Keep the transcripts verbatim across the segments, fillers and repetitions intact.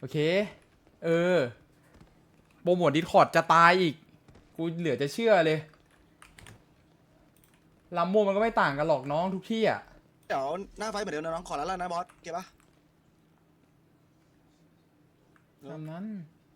โอเคเออโปรโมทดิสคอร์ดจะตายอีกกูเหลือจะเชื่อเลยลำโมมันก็ไม่ต่างกันหรอกน้องทุกที่อ่ะเดี๋ยวหน้าไฟเหมือนเดิมนะน้องขอแล้วนะบอสเก็บปะตามนั้น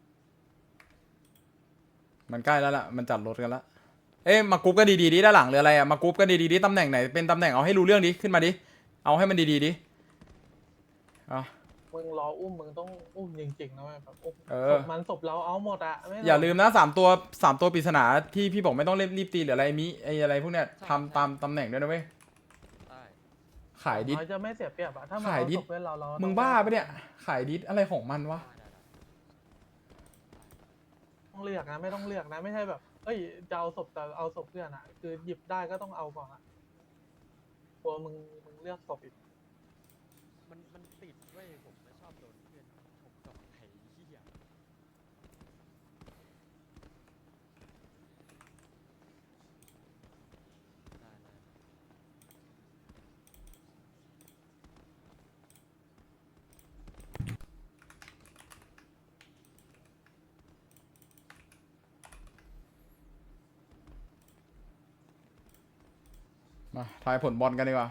มันใกล้แล้วล่ะมันจัดรถกันแล้วเอ๊ะมากรุ๊ปก็ดีๆดิด้านหลังหรืออะไรอ่ะมากรุ๊ปก็ดีๆดิตำแหน่งไหนเป็นตำแหน่งเอาให้รู้เรื่องดิขึ้นมาดิเอาให้มันดีๆดิอ่ะมึงรออุ้มมึงต้องอุ้มจริงๆนะแบบอุ้มเออศพมันศพเราเอาหมดอะไม่อย่าลืมนะสามตัวสามตัวปริศนาที่พี่บอกไม่ต้องเล่นรีบตีหรืออะไรมิไออะไรพวกเนี้ยทำตามตำแหน่งด้วยนะเว้ยขายดิสเราจะไม่เสียเปรียบอะถ้ามันขายเอาดิสศพเพื่อนเราเรามึมึงบ้าปะเนี่ยขายดิสอะไรของมันวะต้องเลือกนะไม่ต้องเลือกนะไม่ใช่แบบเอ้ยจะเอาศพแต่เอาศพเพื่อนอะคือหยิบได้ก็ต้องเอาก่อนอะกลัวมึงมึงเลือกศพอีกมันมันติดเว้ยผมไม่ชอบโดนเพื่อนผมกับไอ้เหี้ยได้ได้มาทายผลบอลกันดีกว่า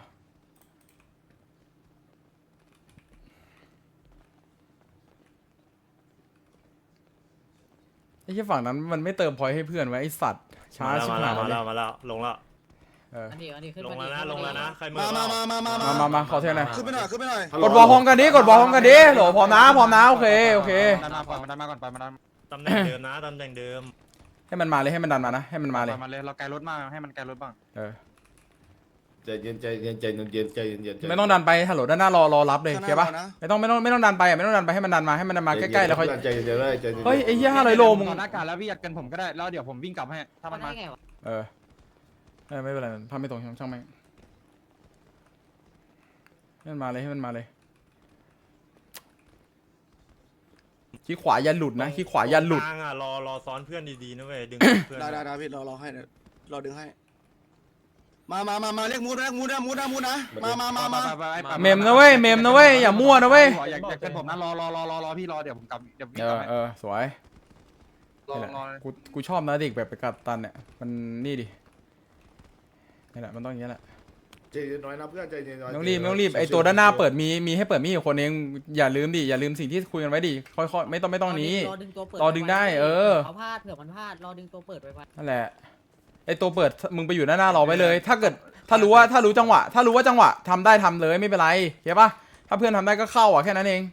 ไอ้ที่ฝั่งนั้นมันไม่เติมพอยต์ให้เพื่อนไว้ไอ้สัตว์ช้าชิบมาหาแล้วยมาเลแล้ยวมาแล้วลงแล้วเอออันนี้อันนี้ขึ้นลงมาแล้วดีนะลงแล้วนะใครมือมามามามามามามามาขอเท่าไหร่ขึ้นไปหน่อยขึ้นไปหน่อยกดบอลพร้อมกันดิกดบอลพร้อมกันดิโหลพร้อมนะพร้อมนะโอเคโอเคดันมาก่อนมาดันมาก่อนไปมาดันตำแหน่งเดิมนะตำแหน่งเดิมให้มันมาเลยให้มันดันมานะให้มันมาเลยมาเลยเราไกลรถมากให้มันไกลรถบ้างเออใจเย็นใจเย็นใจเย็นใจเย็นใจเย็นไม่ต้องดันไปฮัลโหลด้านหน้ารอรอรับเลยข้างหเข้าน้าปะเรานะไม่ต้องไม่ต้องไม่ต้องดันไปอ่ะไม่ต้องดันไปให้มันดันมาให้มันดันมาใกล้ๆแล้วค่อยใจเย็นเลยใจเย็นเฮ้ยไอ้เหี้ยห้าร้อยโลมึงตอนหน้ากาแล้วพี่ยัดกันผมก็ได้แล้วเดี๋ยวผมวิ่งกลับให้ถ้ามันได้มาไงวะเออเออไม่เป็นไรทำไม่ตรงช่างช่างไม่ให้มันมาเลยให้มันมาเลยขี้ขวายันหลุดนะขี้ขวายันหลุดกลางอ่ะรอรอซ้อนเพื่อนดีๆนะเว้ยดึงเพื่อนได้ได้ได้พี่รอรอให้เดี๋ยวรอดึงให้มามามามาเรียกมูดนะมูดนะมูดนะมูดนะมามามามาเมมนะเว้ยเมมนะเว้ยอย่ามั่วนะเว้ยอยากอยากกันผมนะรอรอรอรอรอพี่รอเดี๋ยวผมกลับเดี๋ยววิ่งเอกลัอบให้เออสวยรอนี่แหละรอกูกูชอบนะเด็กแบบไปกัดตันเนี่ยมันนี่ดินี่แหละมันต้องอย่างนี้แหละใจเย็นน้อยนะเพื่อนใจเย็นน้อยไม่ต้องรีบไม่ต้องรีบไอตัวด้านหน้าเปิดมีมีให้เปิดมีอยู่คนเองอย่าลืมดิอย่าลืมสิ่งที่คุยกันไว้ดิค่อยๆไม่ต้องไม่ต้องนี้รอดึงตัวเปิดรอดึงได้เออเขาพลาดเผื่อมันพลาดรอดึงตัวเปิดไว้ไว้นั่นแหละไอตัวเปิดมึงไปอยู่ด้านหน้ารอไว้เลย ถ้าเกิดถ้ารู้ว่าถ้ารู้จังหวะ ถ้ารู้ว่าจังหวะทำได้ทำเลยไม่เป็นไรเข้าปะถ้าเพื่อนทำได้ก็เข้าอ่ะแค่นั้นเอง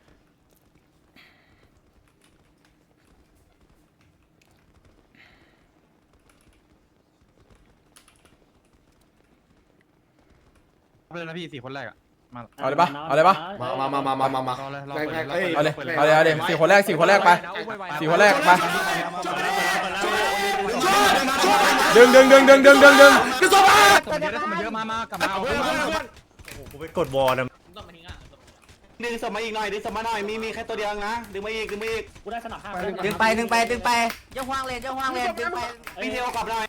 เลยนะพี่สี่คนแรกอ่ะมาเอาเลยปะเอาเลยปะมามามามามามามารอเลยรอเอาเลยเอาเลยเอาเลยสี่คนแรกสี่คนแรกไปสี่คนแรกไปดึงดึงดึงดึงดึงดึงดึงคนเยอะคนเยอะมามากลับมาเอาเพื่อนมาโอ้โหกูไปกดวอลนะดึงสมาอีกหน่อยดึงสมาหน่อยมีมีแค่ตัวเดียวนะดึงมาอีกดึงมาอีกดึงไปดึงไปดึงไปเจ้าห่วงเลนเจ้าห่วงเลนดึงไปพี่เทลกลับหน่อย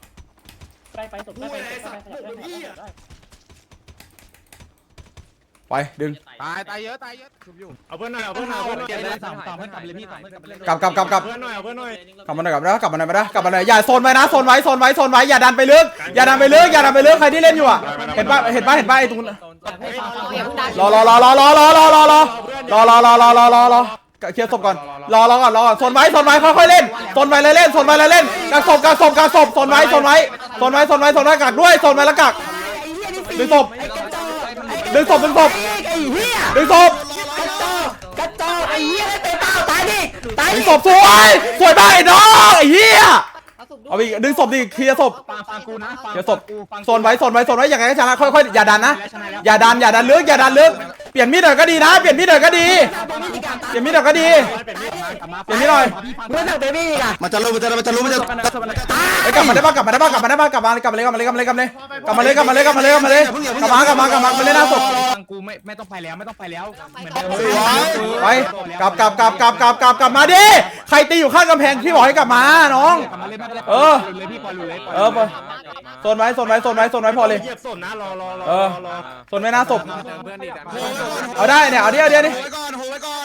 ไปดึงตายตายเยอะตายเยอะชุบอยู่เอาเพื่อนหน่อยเอาเพื่อนหน่อยเอาเพื่อนหน่อยเก็บเลยสามต่อเพื่อนกลับเลยพี่ต่อเพื่อนกลับเลยกลับกลับกลับกลับเพื่อนหน่อยเอาเพื่อนหน่อยกลับมาหน่อยกลับมาแล้วกลับมาหน่อยมาแล้วกลับมาหน่อยอย่าโซนไว้นะโซนไว้โซนไว้โซนไว้อย่าดันไปลึกอย่าดันไปลึกอย่าดันไปลึกใครที่เล่นอยู่อ่ะเห็นปะเห็นปะเห็นปะไอ้ตรงนั้นรอรอรอรอรอรอรอรอรอรอรอรอรอรอรอรอเคลียร์ศพก่อนรอรอก่อนรอก่อนโซนไว้โซนไว้ค่อยๆเล่นโซนไว้เลยเล่นโซนไว้เลยเล่นกักศพกักศพกักศพโซนไว้โซนไว้โซนไว้โซนไว้โซนไว้กักด้วยโซนไว้แล้วกักดึงศพดึงศพดึงศพดึงศพกระจอกไอ้เหี้ยไม่เป็นเป้าตายดิตายดึดิงศพสวยสวยมากไอ้น้องไอ้เหี้ยเอาไปอีกดึงศพดิเคลียร์ศพฟังฟังกูนะเคลียร์ศพโซนไว้โซนไว้โซนไว้อย่างไรก็ชนะค่อยๆอย่าดันนะอย่าดันอย่าดันลึกอย่าดันลึกเปลี่ยนมีดหน่อยก็ดีนะเปลี่ยนมีดหน่อยก็ดีเปลี่ยนมีดหน่อยก็ดีเปลี่ยนมีดหน่อยเพื่อนเบบี้อ่ะมันจะรู้มันจะมันจะรู้มันจะไอ้กลับมาได้ป่ะกลับมาได้ป่ะกลับมาได้ป่ะกลับมากลับมาเลยกลับมาเลยกลับมาเลยกลับมาเลยกลับมาเลยกลับมาเลยกลับมาเลยกลับมาเลยกลับมากลับมากลับมามาเล่นหน้าศพฟังกูไม่ไม่ต้องไปแล้วไม่ต้องไปแล้วเหมือนเดิมไปกลับกลับกลับกลับกลับกลับกลับมาดิใครตีอยู่ข้างกำแพงพี่บอกให้กลับมาน้องกลับมาเลยไม่เป็นไรเออเลยพี่ปล่อยเลยเออโซนไว้โซนไว้โซนไว้โซนไว้พอเลยเหยียบสนนะรอรอรอเออรอโซนไว้หน้าศพเอาได้เนี่ยเอาดิเอาดิเอาดิโหไว้ก่อนโหไว้ก่อน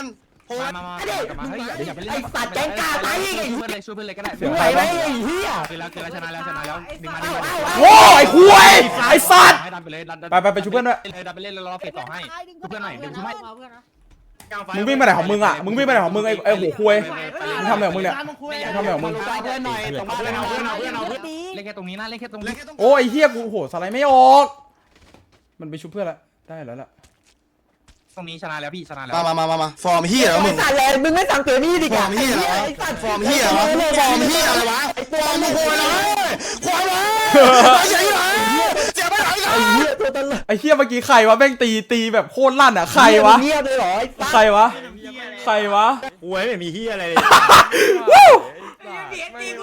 มามามามาเฮ้ยอย่าไปเล่นไอ้สัตว์แกงกาไปอีกช่วยเพื่อนเลยช่วยเพื่อนเลยก็ได้เสียงใครวะเฮียคือแล้วคือแล้วชนะแล้วชนะแล้วดึงมาดึงมาโว้ไอ้คุยไอ้สัตว์ให้ดันไปเลยดันไปไปไปช่วยเพื่อนด้วยเลยดันไปเล่นแล้วรอเฟสต่อให้ช่วยเพื่อนหน่อยดึงช่วยมึงวิ่งไปไหนของมึงอ่ะ มึงวิ่งไปไหนของมึงไอ้ไอ้หัวคุยมึงทำอะไรของมึงเนี่ยมึงทำอะไรของมึงเพื่อนหน่อยตรงบ้านเราเพื่อนเอาเพื่อนเอาเพื่อนเล่นแค่ตรงนี้นะเล่นแค่ตรงนี้โอ้ยไอ้เฮียกูโหสไลด์ไม่ออก มันไปชุบเพื่อนละได้แล้วล่ะตรงนี้ชนะแล้วพี่ชนะแล้วมามามามามาฟอร์มเฮียแล้วมึงสัตว์เลยมึงไม่สั่งเกมนี่ดิฟอร์มเฮียเหรอฟอร์มเฮียเหรอฟอร์มเฮียอะไรวะฟอร์มมึงควรเลยควรเลยเจ๋งเลยเจ๋งไปไหนกันไอ้เหี้ยตัวตลกไอ้เฮียเมื่อกี้ใครวะแม่งตีตีแบบโคตรลั่นอ่ะใครวะเงียบเลยเหรอไอ้สัตว์ใครวะใครวะกูไม่มีเฮียอะไรเลยวู้ไม่ว่า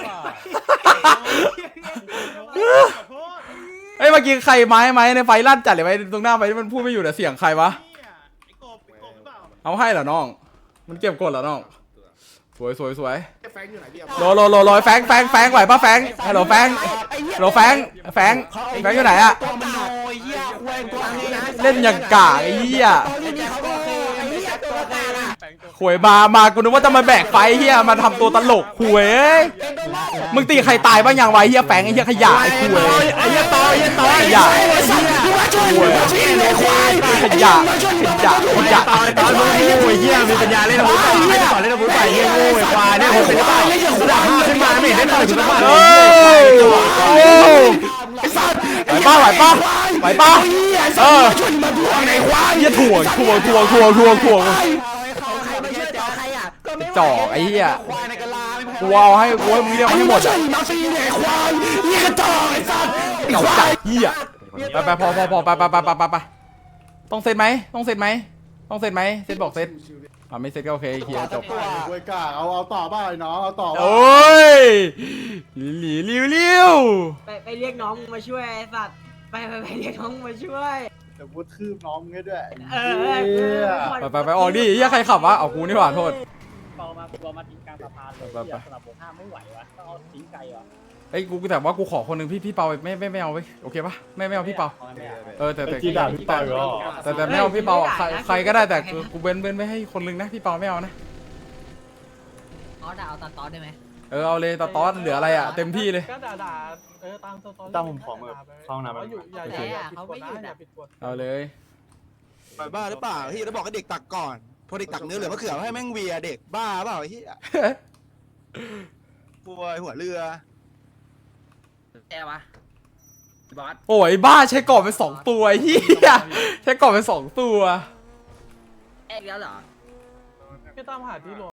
ไอ้ยเมื่อกี้ใครไม้ไม้ในไฟลั่นจัดเลยไว้ตรงหน้าไฟที่มันพูดไม่อยู่แต่เสียงใครวะเอาให้เหรอน้อง มันเก็บกดเหรอน้องสวยสวยสวยแฟงอยู่ไหนพี่โลโลโลโลแฟงแฟงแฟงไหวปะแฟงฮัลโหลแฟงฮัลโหลแฟงแฟงแฟงอยู่ไหนอะตัวมันโอยเหี้ยควยตัวนี้นะเล่นอย่างกากไอ้เหี้ยตอนนี้เขาก็เคยไอ้เหี้ยตัวกลางอะหวยมามากูนึกว่าจะมาแบกไฟเฮียมาทำตัวตลกหวยเอ้ยมึงตีใครตายบ้างยังไวะไอ้เฮียแฟงไอ้เฮียขยะไอ้หวยไอ้เฮียต่อไอ้เฮียต่อขยะไอ้เฮียหวยขยะขยะขยะตอนตอนมึงโง่เฮียมีปัญญาเล่นอาวุธต่อให้ต่อเล่นอาวุธไปเฮียโง่ไอ้ควายเนี่ยผมเป็นบ้าเล่นอย่างคุณห้าขึ้นมาไม่เห็นได้ต่อยชุดบ้าเอ้ยโอ้ไหวป้าไหวป้าไหวป้าเออเฮียถ่วงถ่วงถ่วงถ่วงถ่วงถ่วงเขาใครมาช่วยต่อใครอ่ะก็ไม่จ่อไอ้เหี้ยควายในกะลาไม่พอกูเอาให้กูให้มึงเรียกให้หมดอ่ะมาฟีเนี่ยควายนี่กระจอกไอ้สัตว์เก่าจัดเหี้ยไปไปพอพอพอไปไปไปไปไปไปต้องเซ็ตไหมต้องเซ็ตไหมต้องเซ็ตไหมเซ็ตบอกเซ็ตอ่าไม่เซ็ตก็โอเคเคลียร์จบกล้วยกล้าเอาเอาต่อบ้างไอ้น้องเอาต่อโอ้ยหลีหลิวหลิวไปไปเรียกน้องมาช่วยไอ้สัตว์ไปไปไปเรียกน้องมาช่วยเดี๋ยวพูดคืบน้องให้ด้วยเออเออเออไปไปไปออกดิเหี้ยใครขับวะเอากูนี่หว่าโทษเปามาเปามาทิ้งกลางสะพานเลยไปไปสำหรับผมห้ามไม่ไหววะต้องเอาทิ้งไกลวะไอ้ยกูแต่ว่ากูขอคนหนึ่งพี่พี่เปาไม่ไม่ไม่เอาไว้โอเคปะไม่ไม่เอาพี่เปาเออแต่แต่จีด่าพี่เปาอีกแล้วแต่แต่ไม่เอาพี่เปาอ่ะใครใครก็ได้แต่กูกูเว้นเว้นไม่ให้คนหนึงนะพี่เปาไม่เอานะอ๋อด่าเอาตัดตอนได้ไหมเออเอาเลยตาตอนเหลืออะไรอ่ะเต็มที่เลยก็ด่าด่าเออตามสตอรี่ตั้มผมขอมือเข้าห้องน้ำแต่ว่อยู่อย่าอย่าอย่าผิดกฎนะอย่าผิดกฎเอาเลยไปบ้าหรือเปล่าเฮียแล้วบอกให้เด็กตักก่อนพอเด็กตักเนื้อเหลือมะเขือให้แม่งเวียเด็กบ้าเปล่าเฮียป่วยหัวเรือแกวะบอสโอ้ยบ้าใช้กรอบไปสองตัวไอ้เฮียใช้กรอบไปสองตัวแอกแล้วเหรอพี่ตามหาที่รวม